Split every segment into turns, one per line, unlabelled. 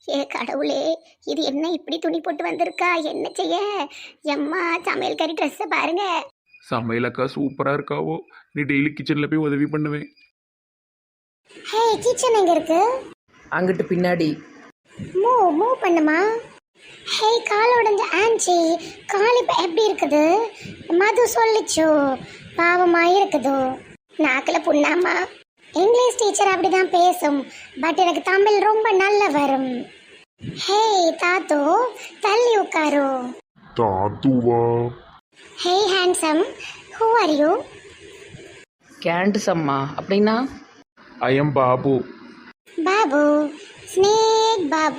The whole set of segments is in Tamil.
ஏ கடவுளே, இது என்ன இப்படி துணி போட்டு வந்திருக்கா? என்ன செய்ய? எம்மா சமையல்காரி ட்ரெஸ்ஸை பாருங்க.
சமையலக்கா சூப்பரா இருக்காவோ. நீ டெய்லி கிச்சன்ல போய் உதவி பண்ணுவேன்.
ஹே, கிச்சன் எங்க இருக்கு?
அங்கிட்டு பின்னாடி.
மூவ் பண்ணுமா? ஹே, கால் உடைஞ்ச ஆன்ச்சி, கால் இப்ப எப்படி இருக்குது? மது சொல்லிச்சோ, பாவமா இருக்குதோ. நாக்கில் புண்ணாமா. இங்கிலீஷ் டீச்சர் அப்படிதான் பேசும், பட் எனக்கு தமிழ் ரொம்ப நல்ல வரும். ஹே தாத்தோ, தள்ளி உட்காரு.
தாத்துவா?
Hey handsome, who are you?
கேண்ட் சம்மா அப்படின்னா?
I am Babu.
Babu, snake Babu.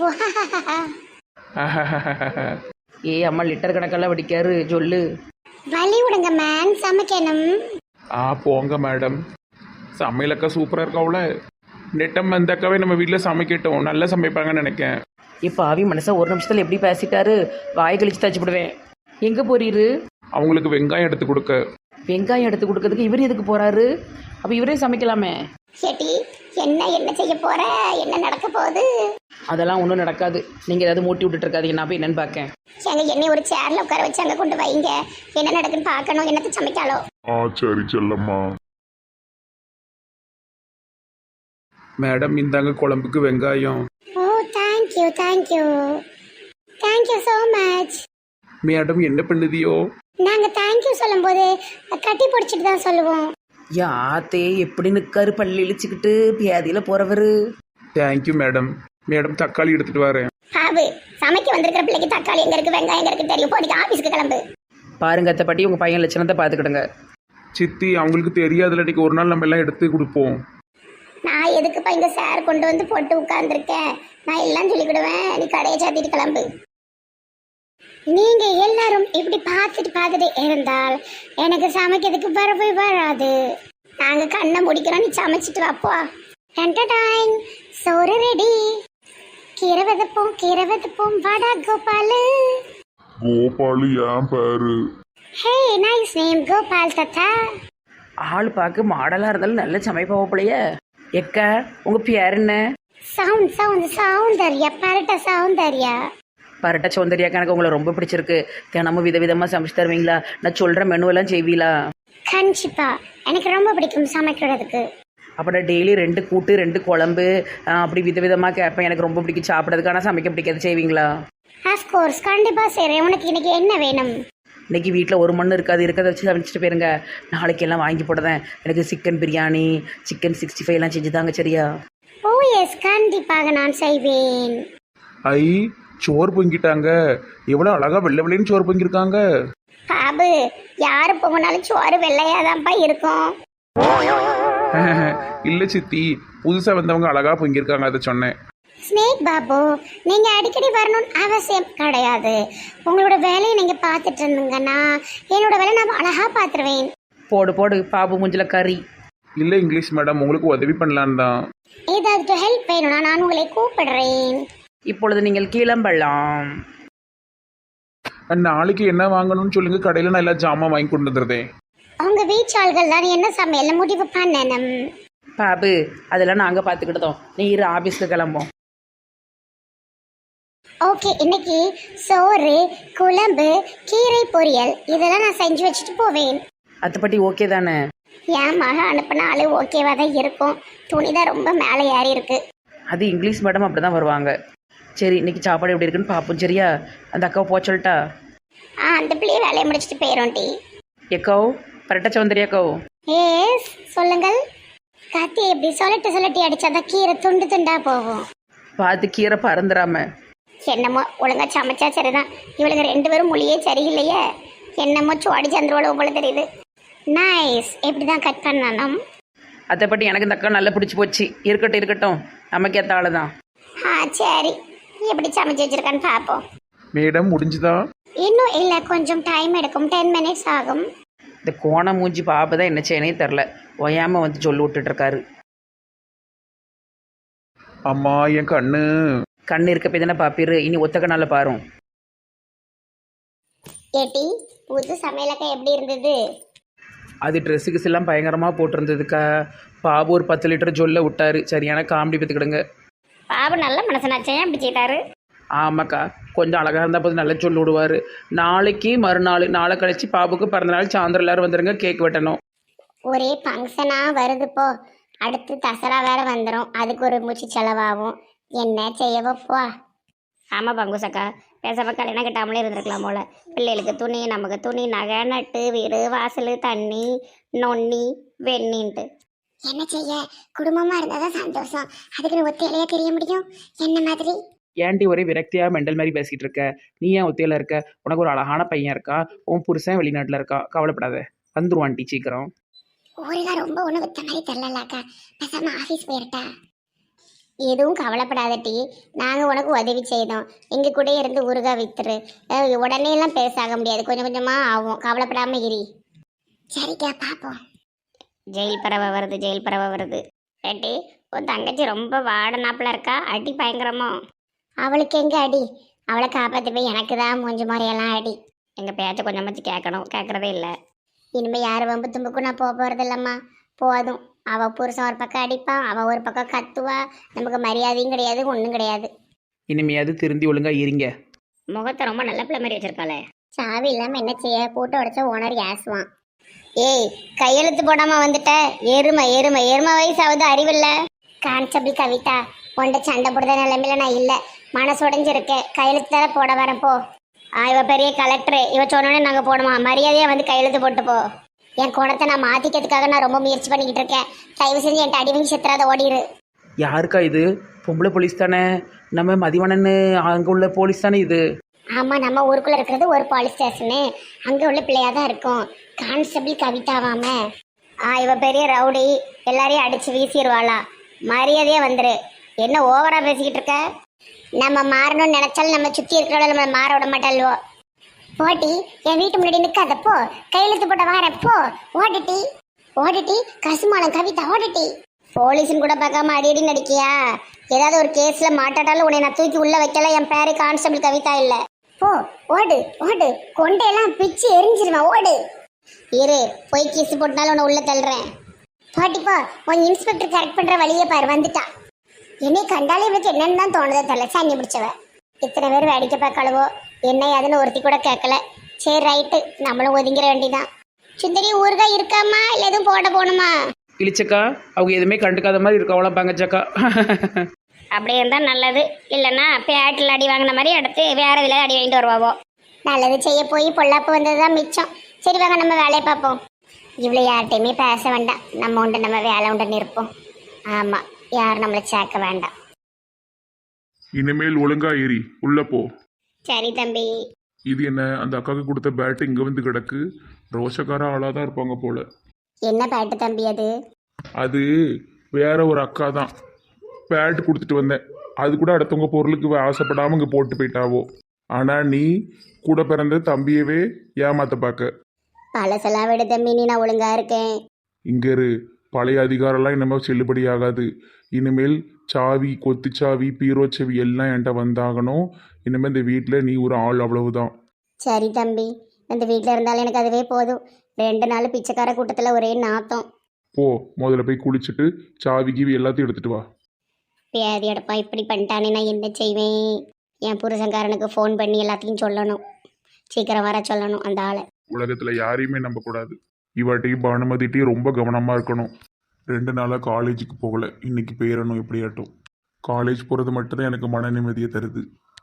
ஏ அம்மா லிட்டர் கணக்கெல்லாம் வடிக்காரு சொல்லு.
வலி விடுங்க மேன், சமைக்கணும்.
போங்க மேடம். சமையலக்கா சூப்பரா இருக்காவுல. நெட்டம் அந்த அக்காவே நம்ம வீட்டில் சமைக்கட்டும், நல்லா சமைப்பாங்கன்னு நினைக்கேன்.
இப்போ ஆவி மனசா ஒரு நிமிஷத்தில் எப்படி பேசிட்டாரு, வாய் கழிச்சு தச்சு விடுவேன். எங்கே போறீரு?
அவங்களுக்கு வெங்காயம் எடுத்து கொடுக்க.
வெங்காயம் எடுத்து கொடுக்கறதுக்கு இவர் எதுக்கு போறாரு? அப்போ இவரே சமைக்கலாமே.
ஏட்டி, என்ன செய்ய போற? என்ன நடக்க போகுது?
அதெல்லாம் ஒன்றும் நடக்காது. நீங்கள் ஏதாவது மூட்டி விட்டுட்டு இருக்காதீங்க, நான் போய் என்னன்னு பார்க்கேன்.
எங்க என்னை ஒரு சேர்ல உட்கார வச்சு அங்க கொண்டு வைங்க. என்ன நடக்குன்னு பார்க்கணும். என்னத்தை சமைக்காலோ?
சரி செல்லம்மா.
மேடம் இந்தாங்க குழம்புக்கு வெங்காயம்.
ஓ, தேங்க்யூ ஸோ மச்.
மேடம் என்ன பண்ணுதியோ?
நாங்க தேங்க்யூ சொல்லும்போது கட்டி பிடிச்சிட்டு தான் சொல்லுவோம்.
யாத்தே எப்படி நிற்காரு பள்ளி இழிச்சுக்கிட்டு பியாதியில் போகிறவர்.
Thank you madam. மேடம் தக்காளி எடுத்துட்டு வரேன்.
பாபு, சமைக்க வந்திருக்கிற பிள்ளைக்கு தக்காளி எங்க இருக்கு, வெங்காயம் எங்க இருக்கு தெரியும். போடிக்கு ஆபீஸ்க்கு கிளம்பு.
பாருங்க அத்தை பாட்டி, உங்கள் பையன் லட்சணத்தை பார்த்துக்கிடுங்க.
சித்தி அவங்களுக்கு தெரியாதுல, இன்னைக்கு ஒரு நாள் நம்ம எல்லாம் எடுத்து கொடுப்போம்.
நான் எதுக்குப்பா இங்க சார் கொண்டு வந்து போட்டு உட்கார்ந்துருக்கேன்? நான் எல்லாம் சொல்லிக்கிடுவேன், நீ கடையை சாத்திட்டு கிளம்பு. நீங்க எல்லாரும் இப்படி பார்த்துட்டு இருந்தால் எனக்கு சமைக்கிறதுக்கு வரவே வராது. நாங்க கண்ணை முடிக்கிறோம், நீ சமைச்சிட்டு வாப்போ. என்டர்டைன், சோறு ரெடி. கீரை விதப்போம் வாடா கோபாலு.
கோபாலு ஏன் பேரு?
ஹே, நைஸ் நேம் கோபால் தாத்தா.
ஆள் பார்க்க மாடலாக இருந்தாலும் நல்ல சமைப்பாவப்பலையே. எக்கா உங்கள் பேர் என்ன?
சௌந்தர்யா, பரட்ட சௌந்தர்யா.
பரட்ட சௌந்தர்யாக்கா, எனக்கு உங்களை ரொம்ப பிடிச்சிருக்கு. தினமும் விதவிதமாக சமைச்சு தருவீங்களா? நான் சொல்கிற மெனுவெல்லாம் செய்வீங்களா?
கண்டிப்பா, எனக்கு ரொம்ப பிடிக்கும் சமைக்கிறதுக்கு.
அப்புறம் டெய்லி 2 கூட்டு 2 குழம்பு அப்படி விதவிதமாக கேட்பேன். எனக்கு ரொம்ப பிடிக்கும் சாப்பிட்றதுக்கு. ஆனால் சமைக்க பிடிக்காது, செய்வீங்களா?
ஆஃப்கோர்ஸ், கண்டிப்பா செய்றேன். உனக்கு இன்னைக்கு என்ன வேணும்?
இன்னைக்கு வீட்டில் ஒரு மண் இருக்காது, இருக்கிறத வச்சு சமைச்சிட்டு போயிருங்க. நாளைக்கு எல்லாம் வாங்கி போடுறேன். எனக்கு சிக்கன் பிரியாணி, சிக்கன் 65 எல்லாம் செஞ்சு தாங்க, சரியா?
ஓ எஸ், கண்டிப்பாக நான் செய்வேன்.
ஐ, சோறு பொங்கிட்டாங்க. எவ்வளோ அழகா வெள்ளை வெள்ளைன்னு சோறு பொங்கிருக்காங்க.
பாபு, யாரு போனாலும் சோறு வெள்ளையாதான்ப்பா இருக்கும்.
இல்ல சித்தி, புதுசா வந்தவங்க அழகா பொங்கிருக்காங்க, அதை சொன்னேன்.
ஸ்னேக் பாபு, நீங்க அடிக்கடி வரணும்னு அவசியம் கிடையாது. உங்களோட வேலையை நீங்க பார்த்துட்டு இருந்தீங்கன்னா என்னோட வேலை நான் அழகா பார்த்துருவேன்.
போடு பாபு முஞ்சில கறி.
இல்ல இங்கிலீஷ் மேடம், உங்களுக்கு உதவி பண்ணலான்னு தான்.
ஏதாவது ஹெல்ப் வேணும்னா நான் உங்களை கூப்பிடுறேன்.
இப்பொழுது நீங்கள் கிளம்பலாம்.
நாளைக்கு என்ன வாங்கணும்னு சொல்லுங்க, கடையில நான் எல்லா ஜாமான் வாங்கி கொண்டு வந்துடுறேன்.
உங்க வீச்சாள்கள் தான் என்ன சமையல் முடிவு பண்ணணும்.
பாபு, அதெல்லாம் நாங்கள் பார்த்துக்கிட்டோம். நீ இரு, ஆஃபீஸ்க்கு கிளம்போம்.
ஓகே, இன்னைக்கு சோறு, குழம்பு, கீரை பொரியல் இதெல்லாம் நான் செஞ்சு வச்சுட்டு போவேன்.
அத்தைப்பட்டி ஓகே தானே?
என் மக அனுப்பினாலும் ஓகேவா தான் இருக்கும். துணி தான் ரொம்ப மேலே ஏறி இருக்கு.
அது இங்கிலீஷ் மேடம் அப்படி தான் வருவாங்க. சரி, இன்னைக்கு சாப்பாடு எப்படி இருக்குன்னு பார்ப்போம், சரியா? அந்த அக்காவை போக சொல்லிட்டா?
அந்த பிள்ளைய வேலையை முடிச்சுட்டு போயிடும். டி
எக்கோ, பரட்ட சௌந்தர்யாக்கோ.
ஏஸ், சொல்லுங்கள். கத்தி எப்படி சொல்லட்டி அடிச்சாதான் கீரை துண்டு துண்டா போகும்.
பார்த்து கீரை பறந்துடாம.
என்னமோ ஒழுங்கா சமைச்சா சரிதான். இவளுக்கு 2 பேரும் மொழியே சரியில்லையே. என்னமோ சோடி சந்திரோட போல தெரியுது. நைஸ், எப்படிதான் கட் பண்ணணும்?
அத்தைப்பட்டி எனக்கு இந்த அக்கா நல்லா பிடிச்சி போச்சு. இருக்கட்டும், நமக்கு ஏற்ற ஆளு தான்.
சரி, எப்படி சமைச்சு வச்சிருக்கான்னு பார்ப்போம்.
மேடம் முடிஞ்சுதா?
இன்னும் இல்லை, கொஞ்சம் டைம் எடுக்கும். 10 minutes ஆகும்.
இந்த கோண மூஞ்சி பாப்பா தான் என்ன செய்யனே தெரில, ஒயாம வந்து சொல்லி விட்டுட்டு இருக்காரு.
அம்மா, என்
கண்ணு இருக்க போய் தானே பாப்பிரு, இனி ஒத்த கண்ணால பாரும்.
ஏட்டி, புது சமையலக்கா எப்படி இருந்தது?
அது ட்ரெஸ்ஸுக்கு எல்லாம் பயங்கரமாக போட்டிருந்ததுக்கா. பாபு ஒரு 10 லிட்டர் ஜொல்ல விட்டாரு. சரியான காமெடி பார்த்துக்கிடுங்க.
பாபு நல்ல மனசனாச்சே அப்படி செய்தாரு.
ஆமாக்கா, கொஞ்சம் அழகாக இருந்தால் போது நல்லா சொல்லி விடுவார். நாளைக்கு மறுநாள் நாளை கழிச்சு பாபுக்கு பிறந்தநாள் சாயந்தரம் எல்லாரும் வந்துடுங்க, கேக் வெட்டணும்.
ஒரே ஃபங்க்ஷனாக வருது போ. அடுத்து தசரா வேற வந்துடும், அதுக்கு ஒரு மூச்சு செலவாகும். என்ன செய்யவோ போ. ஆமாம் பங்குசக்கா, பேசாம கல்யாணம் கட்டாமலே இருந்திருக்கலாம் போல. பிள்ளைகளுக்கு துணி, நமக்கு துணி, நகை நட்டு, வீடு வாசல், தண்ணி நொண்ணி வெண்ணின்ட்டு என்ன செய்ய. குடும்பமாக இருந்தால் தான் சந்தோஷம். அதுக்குன்னு ஒத்தையிலையா தெரிய முடியும் என்ன மாதிரி.
ஏன்டி ஒரே விரக்தியாக மெண்டல் மாதிரி பேசிகிட்டு இருக்க? நீ ஏன் ஒத்தையில் இருக்க? உனக்கு ஒரு அழகான பையன் இருக்கா, உன் புருஷன் வெளிநாட்டில் இருக்கா, கவலைப்படாத, வந்துருவான்டி சீக்கிரம்.
ஊருகா ரொம்ப ஒன்று வித்த மாதிரி தெரிலலாக்கா, பேசாம ஆஃபீஸ் போயிருட்டா. எதுவும் கவலைப்படாதட்டி, நாங்கள் உனக்கு உதவி செய்தோம். எங்கள் கூட இருந்து ஊருகா வித்துரு. உடனே எல்லாம் பேசாக முடியாது, கொஞ்சம் கொஞ்சமாக ஆகும். கவலைப்படாமல் இரு. சரிக்கா, பார்ப்போம். ஜெயில் பறவை வருது, ஜெயில் பறவை வருது. ஏட்டி, உன் தங்கச்சி ரொம்ப வாடனாப்பில் இருக்கா, அடி பயங்கரமோ? அவளுக்கு எங்கே அடி? அவளை காப்பாற்றி போய் எனக்கு தான் மூஞ்சி மாதிரியெல்லாம் அடி. எங்கள் பேச்சை கொஞ்சமாச்சு கேட்கணும், கேட்குறதே இல்லை. இனிமேல் யார் வம்பு தும்புக்கும் நான் போக போகிறது இல்லைம்மா. போதும். அவள் புருஷன் ஒரு பக்கம் அடிப்பான், அவள் ஒரு பக்கம் கத்துவா. நமக்கு மரியாதையும் கிடையாது, ஒன்றும் கிடையாது.
இனிமையாவது திருந்தி ஒழுங்காக இருங்க.
முகத்தை ரொம்ப நல்ல பிள்ளை மாதிரி வச்சிருக்காளே. சாவி இல்லாமல் என்ன செய்ய? போட்டு உடச்சா ஓனர் ஏசுவான். ஏய், கையெழுத்து போடாமல் வந்துட்ட எருமை எருமை எருமை வயசாவது அறிவில்லை. கான்ஸ்டபிள் கவிதா, உன்ட சண்டை போடுற நிலைமையில நான் இல்லை. மனசு உடைஞ்சிருக்கேன். கையெழுத்து தர போட வரேன் போ. இவ பெரிய கலெக்டரு, இவ சொன்னோடனே நாங்கள் போடுமா? மரியாதையாக வந்து கையெழுத்து போட்டு போ. என் குணத்தை நான் மாற்றிக்கிறதுக்காக நான் ரொம்ப முயற்சி பண்ணிக்கிட்டு இருக்கேன். தயவு செஞ்சு என்கிட்ட அடிவங்கி சித்திராத ஓடிடு.
யாருக்கா இது? பொம்பளை போலீஸ் தானே? நம்ம மதிவானன்னு அங்கே உள்ள போலீஸ் தானே இது?
ஆமாம், நம்ம ஊருக்குள்ளே இருக்கிறது ஒரு போலீஸ் ஸ்டேஷனு. அங்கே உள்ள பிள்ளையாக தான் இருக்கும். கான்ஸ்டபிள் கவிதாவாம. இவ பெரிய ரவுடி, எல்லாரையும் அடித்து வீசிடுவாளா. மரியாதையாக வந்துரு. என்ன ஓவராக பேசிக்கிட்டு இருக்க? நம்ம மாறணும்னு நினைச்சாலும் நம்ம சுற்றி இருக்கிறவள நம்மளை மாற விட மாட்டாள்வோ. போட்டி, என் வீட்டு முன்னாடி நிற்காத போ. கையெழுத்து போட்ட வாரேன் போ. ஓடிட்டி ஓடிட்டி கசுமாலம் கவிதா ஓடிட்டி. போலீஸ்னு கூட பார்க்காம அடி நடிக்கியா? ஏதாவது ஒரு கேஸில் மாட்டாட்டாலும் உன்னை நான் தூக்கி உள்ளே வைக்கல. என் பேரு கான்ஸ்டபிள் கவிதா இல்லை. போ, ஓடு ஓடு. கொண்டையெல்லாம் பிச்சு எரிஞ்சிருவேன், ஓடு. இரு, போய் கீசு போட்டாலும் உன்னை உள்ள தள்ளுறேன். போட்டிப்போ, உன் இன்ஸ்பெக்டர் கரெக்ட் பண்ணுற வழியை பாரு, வந்துட்டா. என்னை கண்டாலே இவளுக்கு என்னன்னு தான் தோணுதே தெரியல. சாங்கி பிடிச்சவ. இத்தனை பேர் வேடிக்கை பார்க்கலவோ என்ன அதுன்னு ஒருத்தி கூட கேட்கல. சரி, ரைட்டு, நம்மளும் ஒதுங்கிற வேண்டிதான். சுந்தரி, ஊருகா இருக்காமா இல்லை எதுவும் போட போகணுமா?
இழிச்சக்கா, அவங்க எதுவுமே கண்டுக்காத மாதிரி இருக்கவளாம் பங்கச்சக்கா.
அப்படி இருந்தால் நல்லது. இல்லைன்னா பேட்டில் அடி வாங்கின மாதிரி அடுத்து வேற இதில் அடி வாங்கிட்டு வருவாவோ. நல்லது செய்ய போய் பொல்லாப்பு வந்தது தான் மிச்சம். சரி வாங்க, நம்ம வேலையை பார்ப்போம். இவ்வளோ யார்கிட்டையுமே பேச வேண்டாம். நம்ம உண்டு நம்ம வேலை உண்டுன்னு இருப்போம். ஆமாம், யாரும் நம்மளை சேர்க்க வேண்டாம்.
இனிமேல் ஒழுங்கா ஏறி உள்ள போ.
சரி தம்பி.
இது என்ன, அந்த அக்காவுக்கு கொடுத்த பேட்டு இங்க வந்து கிடக்கு. ரோஷக்கார ஆளா தான் இருப்பாங்க போல.
என்ன பேட்டு தம்பி அது?
அது வேற ஒரு அக்கா தான். பேட் கொடுத்துட்டு வந்தேன். அது கூட அடுத்தவங்க பொருளுக்கு ஆசைப்படாம இங்க போட்டு போயிட்டாவோ. ஆனா நீ கூட பிறந்த தம்பியவே ஏமாத்த பார்க்க.
பழசெல்லாம் விட தம்பி, நீ நான் ஒழுங்கா இருக்கேன்.
இங்க இரு, பழைய அதிகாரம்லாம் இனிமேல் செல்லுபடி ஆகாது. இனிமேல் சாவி, கொத்துச்சாவி, பீரோச்சாவி எல்லாம் என்கிட்ட வந்தாகணும். இனிமேல் இந்த வீட்டில் நீ ஒரு ஆள், அவ்வளவுதான்.
சரி தம்பி, இந்த வீட்டில் இருந்தாலும் எனக்கு அதுவே போதும். 2 நாள் பிச்சைக்கார கூட்டத்தில் ஒரே நாத்தம்.
போ, முதல்ல போய் குளிச்சுட்டு சாவி கீவி எல்லாத்தையும் எடுத்துட்டு வா.
பேதி எடுப்பா, இப்படி பண்ணிட்டானே நான் என்ன செய்வேன்? என் புருஷன்காரனுக்கு ஃபோன் பண்ணி எல்லாத்தையும் சொல்லணும். சீக்கிரம் வர சொல்லணும் அந்த ஆளை.
உலகத்துல யாரையுமே நம்பக்கூடாது. இவாட்டையும் பானுமதிட்டையும் ரொம்ப கவனமா இருக்கணும். 2 நாளாக காலேஜுக்கு போகல. இன்னைக்கு போயிடணும் எப்படியாட்டும். காலேஜ் போகிறது மட்டும்தான் எனக்கு மன நிம்மதியை தருது.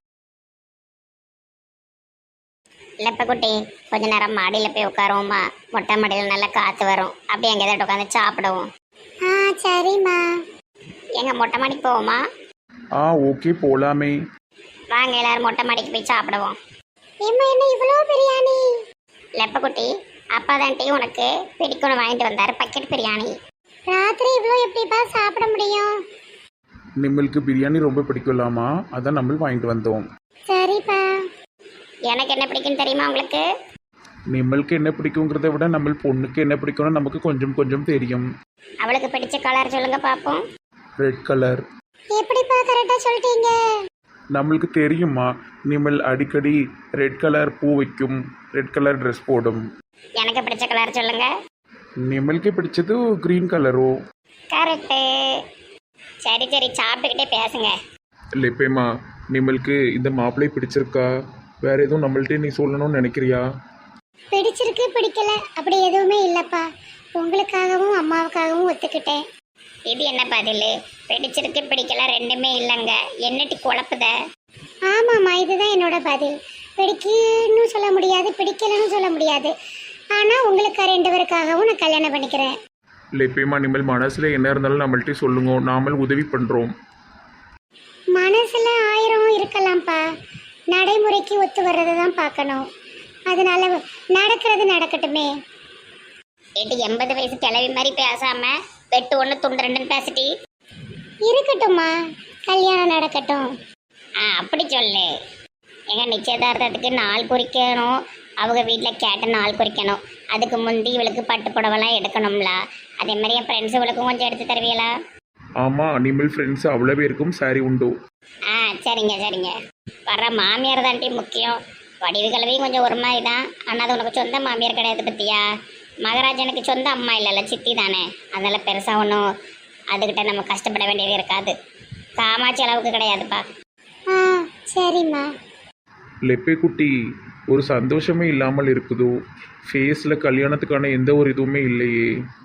லெப்பக்குட்டி, கொஞ்ச நேரம் மாடியில் போய் உட்காருவோமா? மொட்டை மாடியில் நல்லா காற்று வரும். அப்படியே எங்கே ஏதாவது உட்காந்து சாப்பிடுவோம். சரிம்மா. எங்கள் மொட்டை மாடிக்கு போவோமா?
ஓகே, போகலாமே.
வாங்க எல்லாரும் மொட்டை மாடிக்கு போய் சாப்பிடுவோம். என்ன இவ்வளோ பிரியாணி? லெப்பக்குட்டி, அப்பா தான் டீ உனக்கு பிடிக்கணும் வாங்கிட்டு வந்தார், பக்கெட் பிரியாணி. ராத்திரி இவ்வளோ எப்படிப்பா சாப்பிட முடியும்?
நிம்மளுக்கு பிரியாணி ரொம்ப பிடிக்கலாமா, அதான் நம்ம வாங்கிட்டு வந்தோம்.
சரிப்பா. எனக்கு என்ன பிடிக்குன்னு தெரியுமா உங்களுக்கு?
நிம்மளுக்கு என்ன பிடிக்குங்கிறத விட நம்ம பொண்ணுக்கு என்ன பிடிக்கும்னு நமக்கு கொஞ்சம் கொஞ்சம் தெரியும்.
அவளுக்கு பிடிச்ச கலர் சொல்லுங்க பாப்போம்.
Red colour.
எப்படிப்பா கரெக்டாக சொல்லிட்டீங்க?
நம்மளுக்கு தெரியுமா, நிம்மல் அடிக்கடி ரெட் கலர் பூ வைக்கும், ரெட் கலர் ட்ரெஸ் போடும்.
எனக்கு பிடிச்ச கலர் சொல்லுங்க.
நிம்மளுக்கு பிடிச்சது க்ரீன் கலரோ?
கரெக்டு. சரி சரி, சாப்பிட்டுக்கிட்டே பேசுங்க.
லெப்பேம்மா நிம்மளுக்கு இந்த மாப்பிள்ளை பிடிச்சிருக்கா வேற எதுவும் நம்மள்ட்டே நீ சொல்லணும்னு நினைக்கிறியா?
பிடிச்சிருக்கு பிடிக்கல அப்படி எதுவுமே இல்லப்பா. உங்களுக்காகவும் அம்மாவுக்காகவும் ஒத்துக்கிட்டேன். இது என்ன பதில்? பிடிச்சிருக்கு பிடிக்கல ரெண்டுமே இல்லைங்க. என்னட்டி குழப்புத? ஆமாம்மா, இதுதான் என்னோட பதில். பிடிக்குன்னு சொல்ல முடியாது, பிடிக்கலன்னு சொல்ல முடியாது. ஆனால் உங்களுக்கு ரெண்டு பேருக்காகவும் நான் கல்யாணம் பண்ணிக்கிறேன்.
லெப்பேம்மா நிம்மல் மனசுல என்ன இருந்தாலும் நம்மள்ட்டே சொல்லுங்க, நாமல் உதவி பண்றோம்.
மனசுல 1000 இருக்கலாம்ப்பா. நடைமுறைக்கு ஒத்து வர்றதை தான் பார்க்கணும். அதனால நடக்கிறது நடக்கட்டுமே. ஏட்டு 80 வயசு கிளவி மாதிரி பேசாம வெட்டு 1 துண்டு 2 பேசிட்டி இருக்கட்டும்மா. கல்யாணம் நடக்கட்டும். அப்படி சொல்லு. எங்க நிச்சயதார்த்தத்துக்கு நாள் குறிக்கணும். அவங்க வீட்டில் கேட்ட நாள் குறிக்கணும். அதுக்கு முந்தி இவளுக்கு பட்டு புடவெல்லாம் எடுக்கணும்ல. அதே மாதிரி என் ஃப்ரெண்ட்ஸ் இவளுக்கும் கொஞ்சம் எடுத்து தருவீங்களா?
ஆமா நிம்மல் ஃப்ரெண்ட்ஸ் அவ்வளோ பேருக்கும் சாரி உண்டு.
சரிங்க சரிங்க. வர்ற மாமியார் தான்ட்டி முக்கியம். வடிவு கிழவியும் கொஞ்சம் ஒரு மாதிரி தான். ஆனால் அது உனக்கு சொந்த மாமியார் கிடையாது பத்தியா. மகாராஜனுக்கு சொந்த அம்மா இல்லைல்ல, சித்தி தானே. அதனால் பெருசாக ஒன்றும் அதுக்கிட்ட நம்ம கஷ்டப்பட வேண்டியது இருக்காது. காமாட்சி அளவுக்கு கிடையாதுப்பா. சரிம்மா.
லெப்பே குட்டி ஒரு சந்தோஷமே இல்லாமல் இருக்குதோ, ஃபேஸில் கல்யாணத்துக்கான எந்த ஒரு இதுவுமே இல்லையே.